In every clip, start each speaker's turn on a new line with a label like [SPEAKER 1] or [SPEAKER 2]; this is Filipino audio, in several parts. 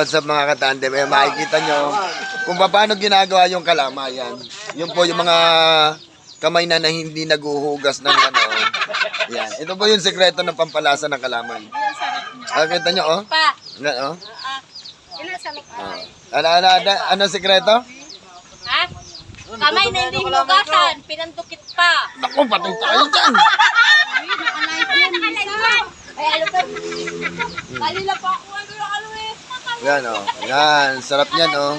[SPEAKER 1] Sa mga katandem, makikita nyo kung paano ginagawa yung kalamayan. Yun po yung mga kamay na hindi naguhugas ng ano. Yan. Ito po yung sekreto ng pampalasa ng kalamay. Nakita nyo, oh? Ano, oh? Ano sekreto?
[SPEAKER 2] Ha? Kamay na hindi hinugasan, pinantukit pa.
[SPEAKER 1] Naku, patay tayo dyan.
[SPEAKER 2] Ay, ano pa? Kanila pa ako, ano eh.
[SPEAKER 1] Yan, oh. Yan, sarap yan, oh.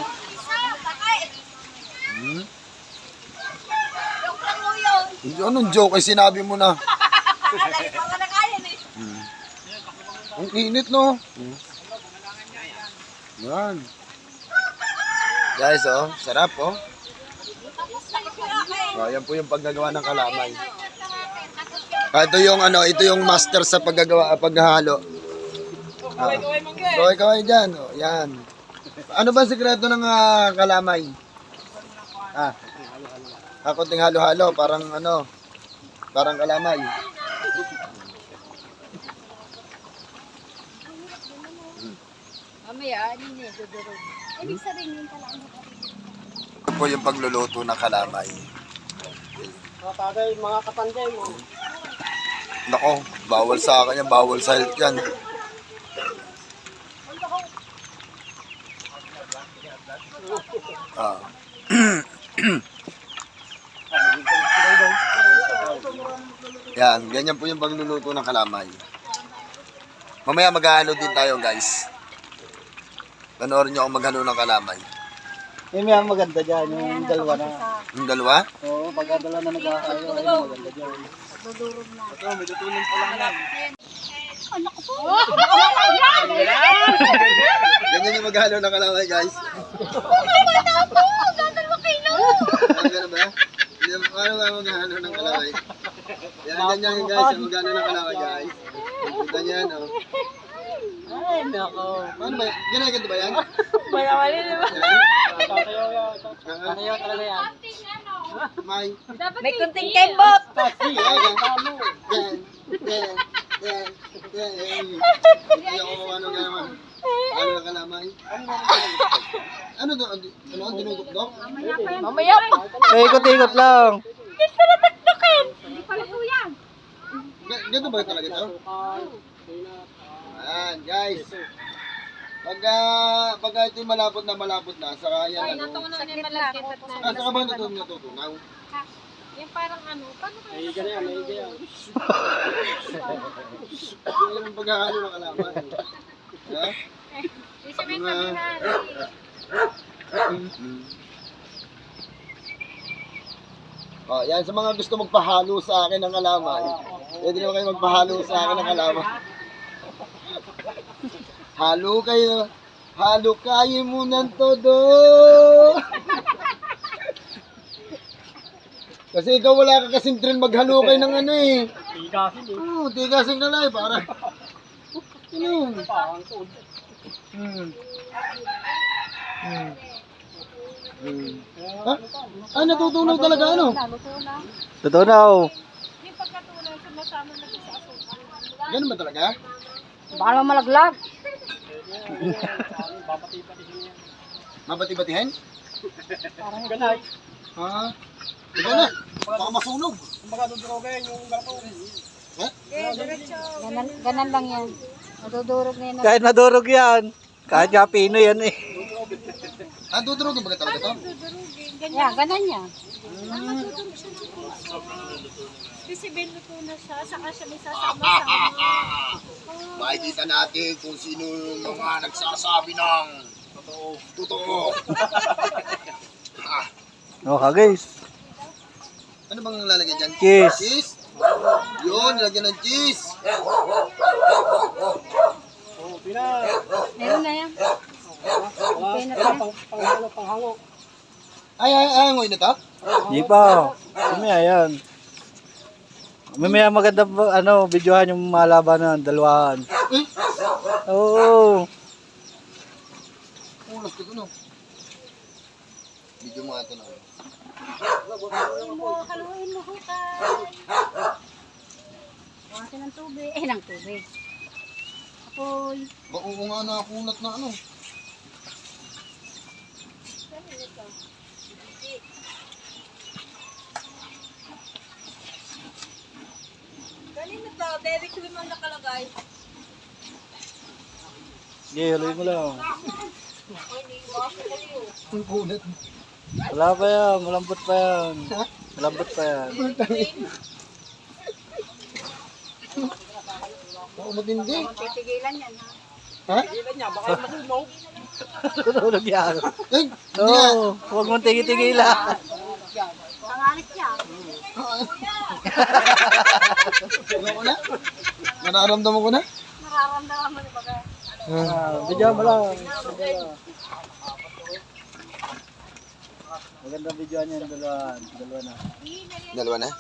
[SPEAKER 1] Hmm?
[SPEAKER 2] Joke lang mo yun.
[SPEAKER 1] Anong joke? Ay, sinabi mo na.
[SPEAKER 2] Lagi pa nga nakayan eh.
[SPEAKER 1] Ang init, no? Yan. Guys, oh. Sarap, oh. Oh, yan po yung paggagawa ng kalamay. Ito yung ano, ito yung master sa paghahalo. Kaway dyan, oh. Yan. Ano ba sikreto ng kalamay? Konting halo-halo, parang ano, parang kalamay.
[SPEAKER 2] Mamaya, ano niya, dudurog. Ibig sabihin yung kalamay.
[SPEAKER 1] Ito po yung pagluluto ng kalamay.
[SPEAKER 3] Mga tagay, mga kapanday mo.
[SPEAKER 1] Nako, bawal sa akin yan, bawal sa health yan. Yan, ganyan po yung pagluluto ng kalamay. Mamaya maghahalo din tayo, guys. Panoorin nyo ako maghalo ng kalamay.
[SPEAKER 3] Yung may maganda dyan, yung dalawa na.
[SPEAKER 1] Yung dalawa?
[SPEAKER 3] Oo, pagkadala na nag-aakayo, yung maganda dyan.
[SPEAKER 2] Dudurog na.
[SPEAKER 3] Ito, may tutulong pa lang yan.
[SPEAKER 2] Anak ko.
[SPEAKER 1] Ganyan yung maghalo ng kalamay, guys.
[SPEAKER 2] Bata po, dadalwa kilo.
[SPEAKER 1] Ano ba? Paano ba maghalo ng kalamay? Yan, ganyan yung guys, yung maghalo ng kalamay, guys. Kita niya, no?
[SPEAKER 3] Ay, nako.
[SPEAKER 1] Paano ba? Ginaganto ba yan?
[SPEAKER 2] Mayawali, di ba?
[SPEAKER 3] Kakayaw talaga yan.
[SPEAKER 2] May kunting kembot.
[SPEAKER 1] Hindi ako ano ganaman. Ano na kalamay? Ano to? Ano ang dinudok-dok?
[SPEAKER 2] Mamaya pa.
[SPEAKER 3] Ikot-ikot lang.
[SPEAKER 2] Gusto na takdukin. Hindi pala po yan.
[SPEAKER 1] Ganito ba talaga ito? Ayan, guys. Pagka ito malapot na, saka yan ano.
[SPEAKER 2] Sakit lang.
[SPEAKER 1] Saka ba natutunaw?
[SPEAKER 2] Yung parang ano, paano kayo?
[SPEAKER 3] May ganyan, may ganyan.
[SPEAKER 1] Yung yung paghahalo ng kalamay. Ha?
[SPEAKER 2] Isipin kami na.
[SPEAKER 1] Oh, yan sa mga gusto magpahalo sa akin ng kalamay. Pwede naman kayo magpahalo sa akin ng kalamay. Halo kayo muna todo. Kasi ikaw wala ka kasing train maghalo kayo ng ano eh.
[SPEAKER 3] Tigasin eh.
[SPEAKER 1] Oo, tigasin ka lang eh, para. Ano?
[SPEAKER 3] Parang food.
[SPEAKER 1] Ha? Natutunaw talaga ano?
[SPEAKER 3] Tutunaw.
[SPEAKER 2] Yung pagkatuloy, sumasama na sa asukan.
[SPEAKER 1] Ganun ba talaga?
[SPEAKER 2] Baka naman malaglag.
[SPEAKER 1] Mabati-batihin?
[SPEAKER 2] Parang
[SPEAKER 3] Ganay.
[SPEAKER 1] Ha? Ikaw na, baka masunog.
[SPEAKER 3] Kumbaga dudurogin yung garto.
[SPEAKER 1] Ha?
[SPEAKER 2] Ganan lang yan. Madudurog na yan.
[SPEAKER 3] Kahit madurog yan. Kahit nga pino yan eh.
[SPEAKER 1] Ah, dudurugin ba talaga ito?
[SPEAKER 2] Yan, ganan yan. Madudurog siya ng puso. Kasi binuto na siya, saka siya may sasama-sama.
[SPEAKER 1] Makikita natin kung sino yung mga nagsasabi ng totoo.
[SPEAKER 3] Okay guys.
[SPEAKER 1] Ano bang lalagyan dyan?
[SPEAKER 3] Cheese.
[SPEAKER 1] Cheese? Yun, nilagyan ng cheese.
[SPEAKER 3] Oh, pina.
[SPEAKER 2] Meron na yan. Okay na tayo.
[SPEAKER 3] Panghango.
[SPEAKER 1] Ay, ngoy na to?
[SPEAKER 3] Hindi pa. Mamaya yan. Mamaya maganda ano, videohan yung malaban ng dalawahan.
[SPEAKER 1] Eh?
[SPEAKER 3] Oo.
[SPEAKER 1] Ulas ko ito, no? Video mo ito na.
[SPEAKER 2] Haluin mo hukay. Bukasin ng tubig. Ng tubig. Apoy.
[SPEAKER 1] Oo nga, nakunat na ano.
[SPEAKER 2] Kanina to, Derek Lim ang nakalagay.
[SPEAKER 3] Sige, haloy mo lang. Wala pa yan, malambot pa yan. Malambot pa yan.
[SPEAKER 1] Oo, matindi.
[SPEAKER 2] Titigilan yan, ha?
[SPEAKER 1] Ha?
[SPEAKER 3] Tulog yan.
[SPEAKER 1] Ay,
[SPEAKER 3] Oo, huwag mong tigil-tigilan.
[SPEAKER 2] Pangalit niya.
[SPEAKER 1] ano ko na? Nararamdaman ko na?
[SPEAKER 2] Nararamdaman mo na baga.
[SPEAKER 3] Video mo lang. Magandang video niya yung dalawa. Dalawa na.
[SPEAKER 1] Dalawa na?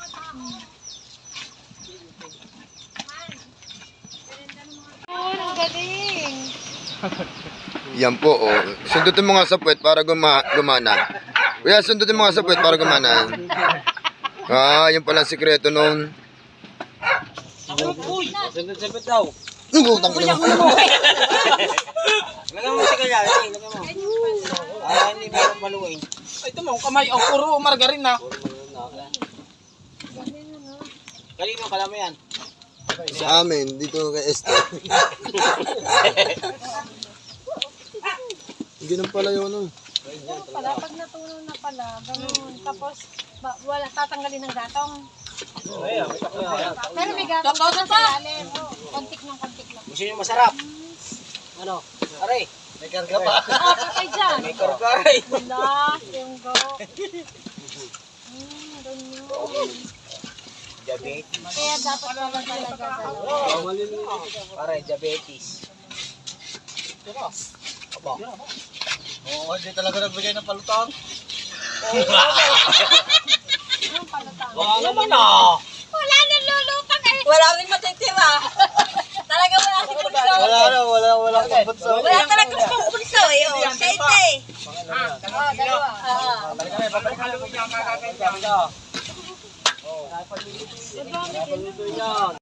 [SPEAKER 2] Ang galing.
[SPEAKER 1] Yan po, oh. Sundutin mo nga sa puwet para gumana. Kuya, sundutin mo nga sa puwet para gumana. Yun pala ang sikreto nun.
[SPEAKER 3] Sipit daw.
[SPEAKER 1] Utang ina mo.
[SPEAKER 4] Lagyan mo si Kaya, lagyan mo. Hindi mo maluwain. Ito mo, kamay, ang puro margarin na. Kanino kala mo yan?
[SPEAKER 1] Sa amin, dito kay Esther. Ganun pala yun, ano.
[SPEAKER 2] Pala, pag natunaw na pala, ganun. Tapos, wala, tatanggalin ng gatong. Pero may gatong pa sa ilalim. Kontik ng kontik lang.
[SPEAKER 4] Gusto nyo masarap? Ano? Aray,
[SPEAKER 3] May karga pa.
[SPEAKER 2] Patay dyan.
[SPEAKER 4] may kargaray.
[SPEAKER 2] Wala, yung go. Ganyan.
[SPEAKER 4] Diabetes.
[SPEAKER 2] Kaya dapat pala talaga dalawa.
[SPEAKER 4] Aray, diabetes. Aba.
[SPEAKER 3] Oo, hindi talaga nagbigay ng palutang.
[SPEAKER 2] Yung palutang.
[SPEAKER 4] Wala naman ah.
[SPEAKER 2] Wala nang lulutang eh.
[SPEAKER 5] Wala rin matitira. Talaga wala si Pulso.
[SPEAKER 3] Wala pagputso.
[SPEAKER 5] Wala talaga si Pulso eh. Oh. Siya ito eh.
[SPEAKER 2] Dalawa.
[SPEAKER 4] Balik kami, babalik kami. Kakain kami.
[SPEAKER 3] Paluto yan.